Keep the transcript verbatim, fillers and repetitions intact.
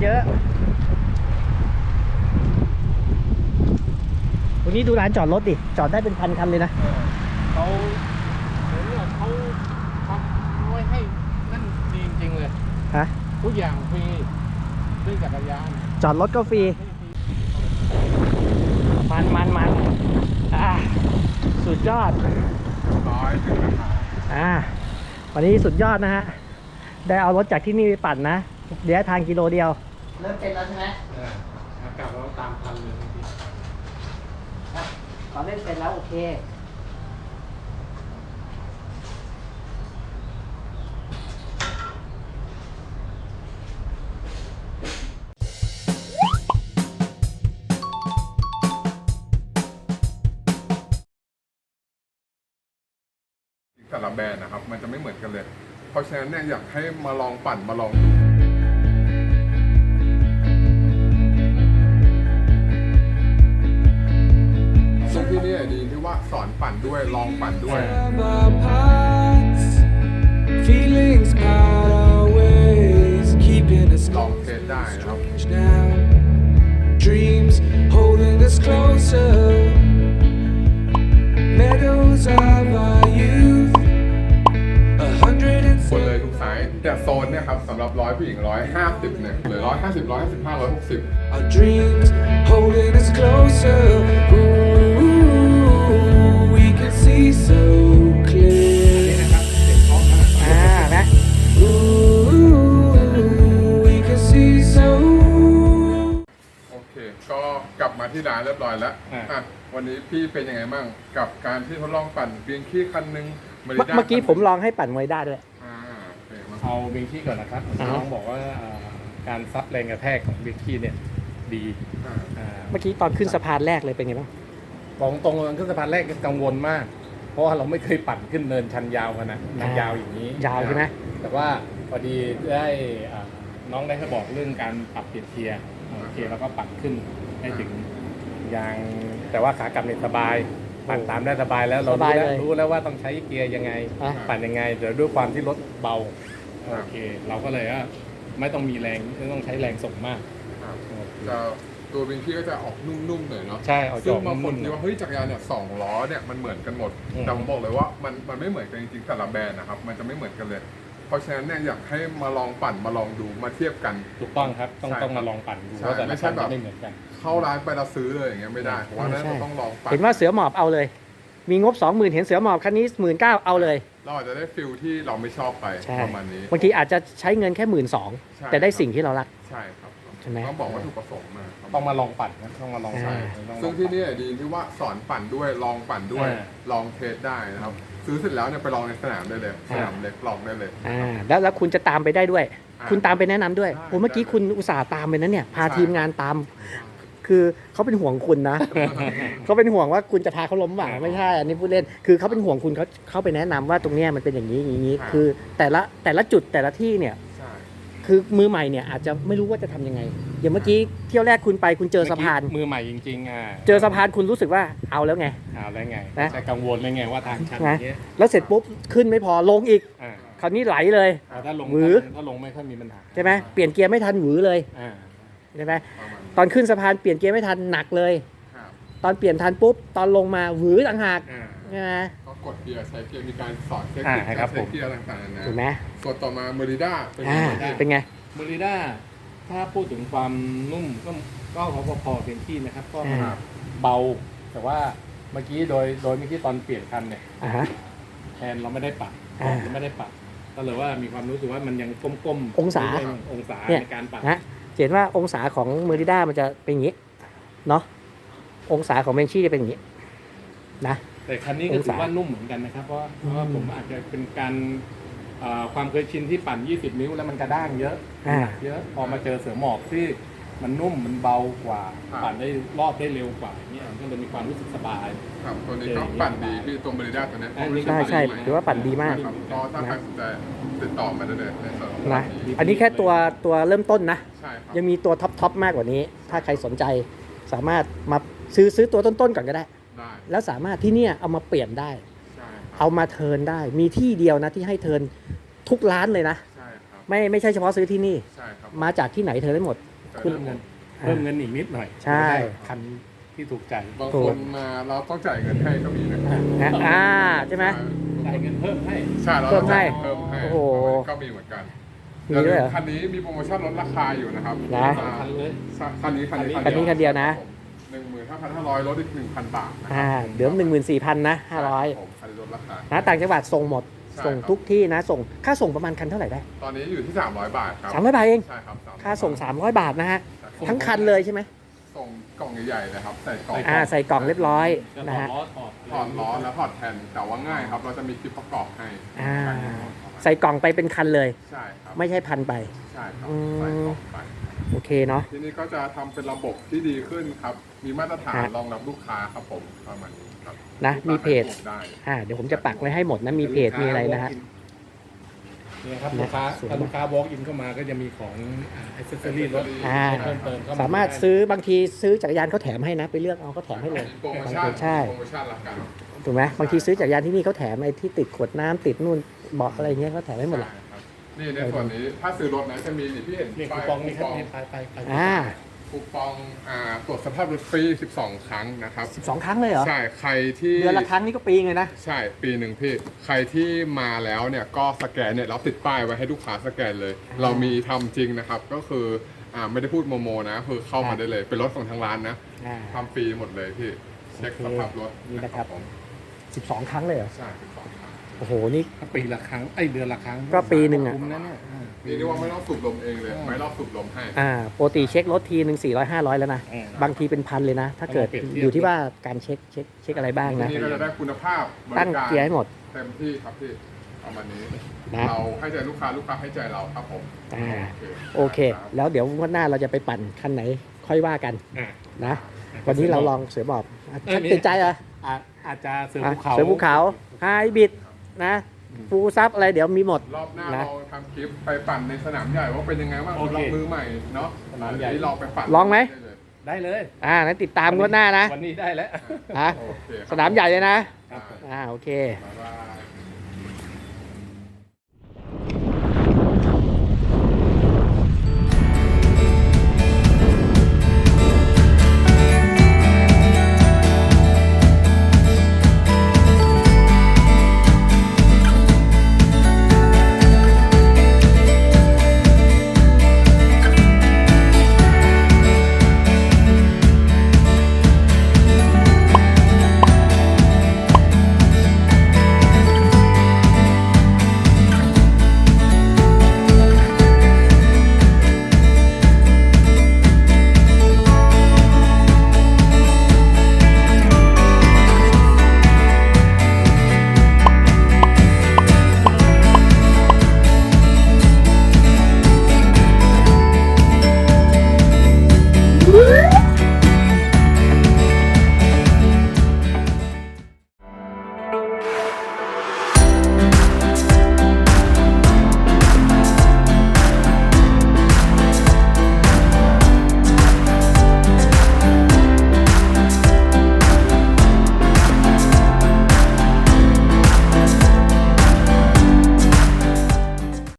เยอะตรงนี้ดูร้านจอดรถดิจอดได้เป็นพันคันเลยนะเขาเหมือนกับเขาทำไว้ให้นั่นดีจริงๆเลยฮะทุกอย่างฟรีด้วยจักรยานจอดรถก็ฟรีมันมันมันอ่าสุดยอดร้อยอ่าวันนี้สุดยอดนะฮะได้เอารถจากที่นี่ไปปั่นนะเดี๋ยวทางกิโลเดียวเริ่มเป็นแล้วใช่ไหมเอออากาศเราตามทันเลยตอนเล่นเป็นแล้วโอเคแต่ละแบรนด์นะครับมันจะไม่เหมือนกันเลยเพราะฉะนั้นเนี่ยอยากให้มาลองปั่นมาลองดูซึ่งที่นี่ดีที่ว่าสอนปั่นด้วยลองปั่นด้วยลองเทสได้นะครับ Dreams holding us closer Meadows of our youth a hundred and หมดเลยทุกไซส์แต่โซนเนี่ยครับสำหรับร้อยผู้หญิงร้อยห้าสิบเนี่ยหรือร้อยห้าสิบร้อยห้าสิบห้าร้อยหกสิบ Our dreams holding us closer Ooh, we can see so clear อ่านะ Ooh, we can see so โอเคก็กลับมาที่ร้านเรียบร้อยแล้วอ่ะวันนี้พี่เป็นยังไงบ้างกับการที่ทดลองปั่นเบียงขี้คันหนึ่งเมื่อกี้ผมลองให้ปั่นมวยได้ด้วยเอาเบงกี้ก่อนนะครับน้องบอกว่าการซับแรงกระแทกของเบงกี้เนี่ยดีเมื่อกี้ตอนขึ้นสะพานแรกเลยเป็นไงบ้างบอกตรงๆขึ้นสะพานแรกกังวลมากเพราะว่าเราไม่เคยปั่นขึ้นเนินชันยาวขนาดนั้นยาวอย่างนี้ยาวใช่ไหมแต่ว่าพอดีได้น้องได้ให้บอกเรื่องการปรับเปลี่ยนเกียร์โอเคแล้วก็ปั่นขึ้นได้ถึงยางแต่ว่าขากลับเนี่ยสบายปั่นตามได้สบายแล้วเรารู้แล้วรู้แล้วว่าต้องใช้เกียร์ยังไงปั่นยังไงแต่ด้วยความที่รถเบาโอเคเราก็เลยว่าไม่ต้องมีแรงไม่ต้องใช้แรงส่งมากจะตัวบิงกี้ก็จะออกนุ่มๆหน่อยเนาะใช่เอาจซึ่องบางคนนุ่มคิดว่าเฮ้ยจักรยานเนี่ยสองล้อเนี่ยมันเหมือนกันหมดแต่ผมบอกเลยว่ามันมันไม่เหมือนกันจริงๆแต่ละแบรนด์นะครับมันจะไม่เหมือนกันเลยเพราะฉะนั้นเนี่ยอยากให้มาลองปั่นมาลองดูมาเทียบกันถูกต้องครับต้องต้องมาลองปั่นดูว่าแต่ละคันจะไม่เหมือนกันเข้าร้านไปเราซื้อเลยอย่างเงี้ยไม่ได้เพราะว่านั้นเราต้องลองปั่นเห็นว่าเสือหมอบเอาเลยมีงบ สองหมื่น เห็นเสือหมอบคันนี้ หนึ่งหมื่นเก้าพัน เอาเลยเราอาจจะได้ฟิลที่เราไม่ชอบไปประมาณนี้บางทีอาจจะใช้เงินแค่ หนึ่งหมื่นสองพัน แต่ได้สิ่งที่เรารักใช่ครับใช่ไหมต้องบอกว่าถูกประสงค์มาต้องมาลองปั่นนะต้องมาลองใช้ซึ่งที่นี่ดีที่ว่าสอนปั่นด้วยลองปั่นด้วยลองเทสได้นะครับซื้อเสร็จแล้วเนี่ยไปลองในสนามได้เลยสนามเล็กลองได้เลยอ่าแล้วแล้วคุณจะตามไปได้ด้วยคุณตามไปแนะนำด้วยโอ้เมื่อกี้คุณอุตส่าห์ตามไปนั้นเนี่ยพาทีมงานตามคือเขาเป็นห่วงคุณนะ เขาเป็นห่วงว่าคุณจะพาเขาล้มบ่าไม่ใช่อันนี้พูดเล่นคือเขาเป็นห่วงคุณเขาเขาไปแนะนำว่าตรงเนี้ยมันเป็นอย่างนี้อย่างนี้คือแต่ละแต่ละจุดแต่ละที่เนี่ยคือมือใหม่เนี่ยอาจจะไม่รู้ว่าจะทำยังไงอย่างเมื่อกี้เที่ยวแรกคุณไปคุณเจอสะพานมือใหม่จริงๆอ่ะเจอสะพานคุณรู้สึกว่าเอาแล้วไงเอาแล้วไงนะจะกังวลเลยไงว่าทางชันอย่างเงี้ยแล้วเสร็จปุ๊บขึ้นไม่พอลงอีกคราวนี้ไหลเลยถ้าลงหวือถ้าลงไม่ค่อยมีปัญหาใช่ไหมเปลี่ยนเกียร์ไม่ทันหวือเลยใช่ไหมตอนขึ้นสะพานเปลี่ยนเกียร์ไม่ทันหนักเลยตอนเปลี่ยนทันปุ๊บตอนลงมาหวือต่างหากใช่ไหมก็กดเกียร์ใช้เกียร์มีการสอนเทคนิคการใช้เกียร์ต่างๆนะถูกไหมส่วนต่อมาเมอริด้าเป็นไงเป็นไงเมอริด้าถ้าพูดถึงความนุ่มก็ก็พอๆเพียงที่นะครับก็เบาแต่ว่าเมื่อกี้โดยโดยเมื่อกี้ตอนเปลี่ยนคันเนี่ยแทนเราไม่ได้ปรับเราไม่ได้ปรับก็เลยว่ามีความรู้สึกว่ามันยังก้มๆองศาองศาในการปรับนะเห็นว่าองศาของเมอริด้ามันจะเป็นอย่างนี้เนาะองศาของเบนชี่จะเป็นอย่างนี้นะแต่คันนี้ก็ถือว่านุ่มเหมือนกันนะครับเพราะเพราะว่าผมอาจจะเป็นการความเคยชินที่ปั่นยี่สิบนิ้วแล้วมันกระด้างเยอะเยอะพอมาเจอเสือหมอบที่มันนุ่มมันเบากว่าปั่นได้รอบได้เร็วกว่าเนี่ยมันก็เลยมีความรู้สึกสบายครับตัวนี้ก็ปั่นดีพี่ตัวเมริด้าตัวนี้ใช่ใช่ถือว่าปั่นดีมากก็ถ้าใครสนใจติดต่อมาได้เลยในส่วนนะอันนี้แค่ตัวตัวเริ่มต้นนะยังมีตัวท็อปท็อปมากกว่านี้ถ้าใครสนใจสามารถมาซื้อซื้อตัวต้นๆก่อนก็ได้แล้วสามารถที่เนี่ยเอามาเปลี่ยนได้เอามาเทิร์นได้มีที่เดียวนะที่ให้เทิร์นทุกร้านเลยนะไม่ไม่ใช่เฉพาะซื้อที่นี่มาจากที่ไหนเทิร์นได้หมดคุณเพิ่มเงินเพิ่มเงินอีกนิดหน่อยใช่จะได้คันที่ถูกใจบางคนมาเราต้องจ่ายเงินให้ก็มีนะครับนะอ่าใช่ไหมจ่ายเงินเพิ่มให้ใช่เราเพิ่มให้เพิ่มให้โอ้โหก็มีเหมือนกันมีด้วยเหรอคันนี้มีโปรโมชั่นลดราคาอยู่นะครับนะอ่าคันเลยคันนี้คันนี้คันนี้คันเดียวนะหนึ่งหมื่นห้าพันห้าร้อยลดอีกหนึ่งพันบาทนะครัอ่าเดี๋ยวหนึ่งหมื่นสี่พันนะห้าร้อยผมคันนี้ลดราคานะต่างจังหวัดส่งหมดใช่ส่งครับทุกที่นะ ส่งค่าส่งประมาณคันเท่าไหร่ได้ตอนนี้อยู่ที่สามร้อยบาทครับสามร้อยบาทเองใช่ครับสามร้อยค่าส่งสามร้อยบาทนะฮะใช่ครับทั้งคันเลยใช่ไหมส่งกล่องใหญ่ๆนะครับใส่กล่องอ่าใส่กล่องเรียบร้อยจะนะถอดฮะล้อถอดถอดล้อแล้วถอดแผ่นแต่ว่าง่ายครับ เราจะมีคลิปประกอบให้อ่าใส่กล่องไปเป็นคันเลยใช่ครับไม่ใช่พันไปใช่ครับอืมใส่กล่องไปโอเคเนาะทีนี้ก็จะทำเป็นระบบที่ดีขึ้นครับ มีมาตรฐานฮะรองรับลูกค้าครับผมประมาณนี้ครับนะมีเพจลูกค้าใช้ระบบได้อ่าเดี๋ยวผมจะปักไว้ให้หมดนะมีเพจมีอะไรนะฮะเนี่ยครับนะลูกค้าสวยถ้าลูกค้า walk in เข้ามาก็จะมีของอ c เซสซอรี่รถอ่าเพิ่มเติมเข้ามาสามารถซื้อบางทีซื้อจักรยานเขาแถมให้นะ ไปเลือกเอาเขาแถมให้เลยโปรโมชั่นใช่โปรโมชั่นละกันถูกไหมบางทีซื้อจักรยานที่นี่เขาแถมไอ้ที่ติดขวดน้ำติดนู่นเบาะอะไรเงี้ยเขาแถมให้หมดแหละใช่ครับนี่ในส่วนนี้ถ้าซื้อรถนะจะมีนี่พี่เห็นนี่คูป้ายปองนี่ครับคูปองนี่ไปไปไปอ่าคูปองอ่าตรวจสภาพรถฟรีสิบสองครั้งนะครับสิบสองครั้งเลยเหรอใช่ใครที่เดือนละครั้งนี่ก็ปีเลยนะใช่ปีหนึ่งพี่ใครที่มาแล้วเนี่ยก็สแกนเนี่ยเราติดป้ายไว้ให้ลูกค้าสแกนเลย เรามีทำจริงนะครับก็คืออ่าไม่ได้พูดโมโมนะคือเข้ามาได้เลย เป็นรถของทางร้านนะอ่าทำฟรีหมดเลยพี่เช็คสภาพรถนี่นะครับผมสิบสองครั้งเลยเหรอใช่สิบสองครั้งโอ้โหนี่ปีละครั้งไอยเดือนละครั้งก็ปีหนึ่งอะคุ้มนะเนี่ยอ่านี่เรียกว่าไม่ต้องสูบลมเองเลย ไม่รอบสูบลมให้อ่าปกติเช็ครถทีหนึ่งสี่ร้อยห้าร้อยแล้วนะอืมบางทีเป็นพันเลยนะ ถ้าเกิดเอามาเปรียบเทียบอยู่ที่ว่าการเช็คเช็คเช็คอะไรบ้างทีนะนี้ก็จะได้คุณภาพบตั้งริการเกียร์ให้หมดเต็มที่ครับพี่ประมาณนี้นะเราให้ใจลูกค้าลูกค้าให้ใจเราครับผมอ่าโอเค แล้วเดี๋ยวงวันหน้าเราจะไปปั่นคันไหนค่อยว่ากันอ่านะ วันนี้เราลองเสือหมอบอ่ะเอ้ยมีติดใจเหรออาจอาจจะเสืออ่ะภูเขาเสือภูเขาไฮบริดนะฟูลซับอะไรเดี๋ยวมีหมดรอบหน้านะเราทำคลิปไปปั่นในสนามใหญ่ว่าเป็นยังไงบ้างโอเคสำหรับมือใหม่เนาะสนามใหญ่อัเราไปปั่นลองไหมด้เลยได้เลยอ่านั้นติดตามงวดหน้านะวันนี้ได้แล้วฮะโอเคครับสนามใหญ่เลยนะครับผมอ่าโอเคบ๊ายบาย